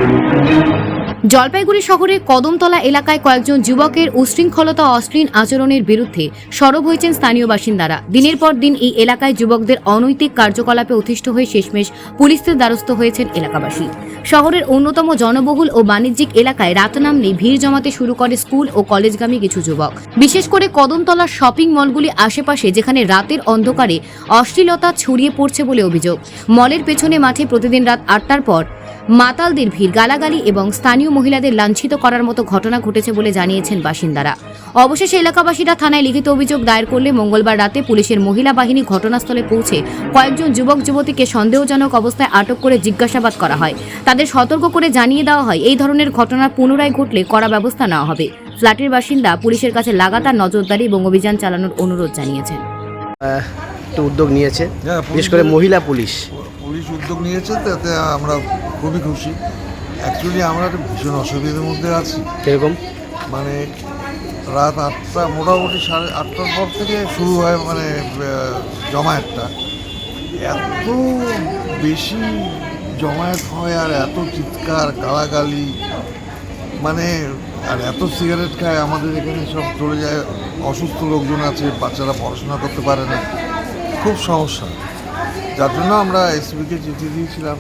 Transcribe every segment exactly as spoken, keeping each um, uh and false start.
জলপাইগুড়ি শহরের কদমতলা এলাকায় কয়েকজন যুবকের উশৃঙ্খলতা অশ্লীল আচরণের বিরুদ্ধে সরব হয়েছেন স্থানীয় বাসিন্দারা। দিনের পর দিন এই এলাকায় যুবকদের অনৈতিক কার্যকলাপে অতিষ্ঠ হয়ে শেষমেশ পুলিশের দ্বারস্থ হয়েছেন এলাকাবাসী। শহরের অন্যতম জনবহুল ও বাণিজ্যিক এলাকায় রাত নামলেই ভিড় জমাতে শুরু করে স্কুল ও কলেজগামী কিছু যুবক। বিশেষ করে কদমতলার শপিং মলগুলি আশেপাশে, যেখানে রাতের অন্ধকারে অশ্লীলতা ছড়িয়ে পড়ছে বলে অভিযোগ। মলের পেছনে মাঠে প্রতিদিন রাত আটটার পর মাতালদের ভিড়, গালাগালি এবং স্থানীয় মহিলাদের লাঞ্ছিত করার মতো ঘটনা ঘটেছে বলে জানিয়েছেন বাসিন্দারা। অবশেষে এলাকাবাসীরা থানায় লিখিত অভিযোগ দায়ের করলে মঙ্গলবার রাতে পুলিশের মহিলা বাহিনী ঘটনাস্থলে পৌঁছে কয়েকজন যুবক যুবতীকে সন্দেহজনক অবস্থায় আটক করে জিজ্ঞাসাবাদ করা হয়। তাদের সতর্ক করে জানিয়ে দেওয়া হয় এই ধরনের ঘটনা পুনরায় ঘটলে কড়া ব্যবস্থা নেওয়া হবে। ফ্ল্যাটের বাসিন্দা পুলিশের কাছে লাগাতার নজরদারি এবং অভিযান চালানোর অনুরোধ জানিয়েছেন। উদ্যোগ নিয়েছে, বিশেষ করে মহিলা পুলিশ পুলিশ উদ্যোগ নিয়েছে, তাতে আমরা খুবই খুশি। অ্যাকচুয়ালি আমরা একটা ভীষণ অসুবিধার মধ্যে আছি। কিরকম? মানে রাত আটটা, মোটামুটি সাড়ে আটটার পর থেকে শুরু হয় মানে জমায়েতটা। এত বেশি জমায়েত হয় আর এত চিৎকার, গালাগালি, মানে আর এত সিগারেট খায়। আমাদের এখানে সব চলে যায়, অসুস্থ লোকজন আছে, বাচ্চারা পড়াশোনা করতে পারে না, খুব সমস্যা। যার জন্য আমরা এসপিকে চিঠি দিয়েছিলাম,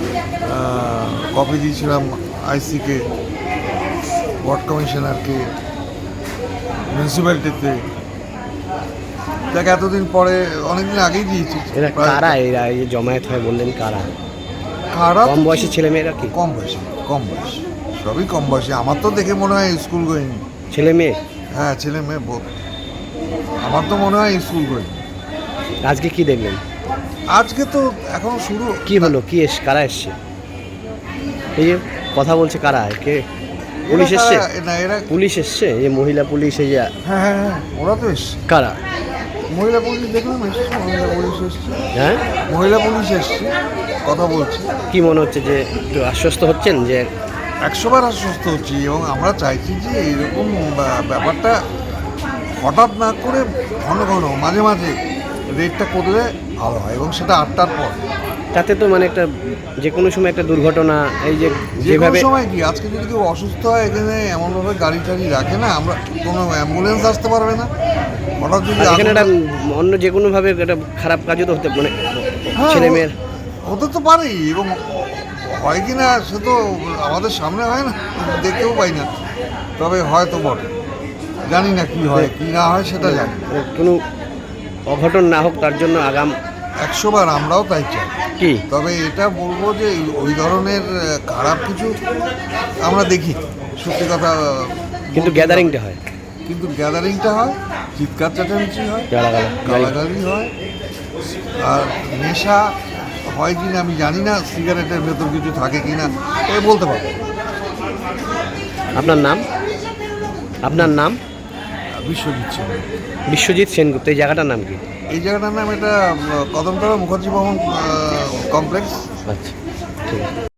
কপি দিয়েছিলাম আইসিকে, ওয়ার্ড কমিশনারকে, মিউনিসিপ্যালিটিতে। দেখ এতদিন পরে, অনেকদিন আগেই দিয়েছি। কারা এরা এই জমায়েত হয় বললেন? কারা? কারা? কম বয়সী ছেলে মেয়েরা? কি কম বয়সী? কম বয়সী, সবই কম বয়সী। আমার তো দেখে মনে হয় স্কুল গোয়িং ছেলে মেয়ে। হ্যাঁ, ছেলে মেয়ে বোধ। আমার তো মনে হয় স্কুল গোয়িং। আজকে কি দেখলেন? আজকে তো এখন শুরু। কি হলো? কি এস কারা এসছে? এই যে কথা বলছে কারা? কে? পুলিশ এসছে? না, এরা পুলিশ এসছে, এই মহিলা পুলিশ। এই যে হ্যাঁ হ্যাঁ হ্যাঁ ওরা তো এসছে। কারা? মহিলা পুলিশ দেখলাম এসছে, মহিলা পুলিশ এসছে। হ্যাঁ, মহিলা পুলিশ এসছে, কথা বলছে। কি মনে হচ্ছে যে একটু আশ্বস্ত হচ্ছেন? যে একশোবার আশ্বস্ত হচ্ছি, এবং আমরা চাইছি যে এইরকম ব্যাপারটা হঠাৎ না করে ঘন ঘন মাঝে মাঝে রেটটা করলে ভালো হয়, এবং সেটা আটটার পর। তাতে তো মানে একটা যে কোনো সময় একটা দুর্ঘটনা, এই যে যেভাবে সময় কি আজকে যদি কেউ অসুস্থ হয়, এখানে এমনভাবে গাড়ি টাড়ি রাখে না, আমরা কোনো অ্যাম্বুলেন্স আসতে পারবে না। হঠাৎ যদি এখানে একটা অন্য যে কোনোভাবে একটা খারাপ কাজও তো হতে, মানে ছেলে মেয়ের হতে তো পারেই, এবং হয় কি না সে তো আমাদের সামনে হয় না, দেখতেও পাই না, তবে হয়তো বটে। জানি না কি হয় কি না হয়, সেটা জানি। কোনো অঘটন না হোক তার জন্য আগাম একশোবার আমরাও তাই চাই। কি তবে এটা বলবো যে ওই ধরনের খারাপ কিছু আমরা দেখি, সত্যি কথা। কিন্তু গ্যাদারিংটা হয়, কিন্তু গ্যাদারিংটা হয়, চিৎকার চেঁচামেচি হয়, গালাগালি হয়, আর নেশা হয় কি না আমি জানি না, সিগারেটের ভেতর কিছু থাকে কি না এ বলতে পারবো। আপনার নাম? আপনার নাম? বিশ্বজিৎ সেন। বিশ্বজিৎ সেনগুপ্ত। এই জায়গাটার নাম কি? এই জায়গাটার নাম এটা কদমতলা মুখার্জি ভবন কমপ্লেক্স। আচ্ছা, ঠিক আছে।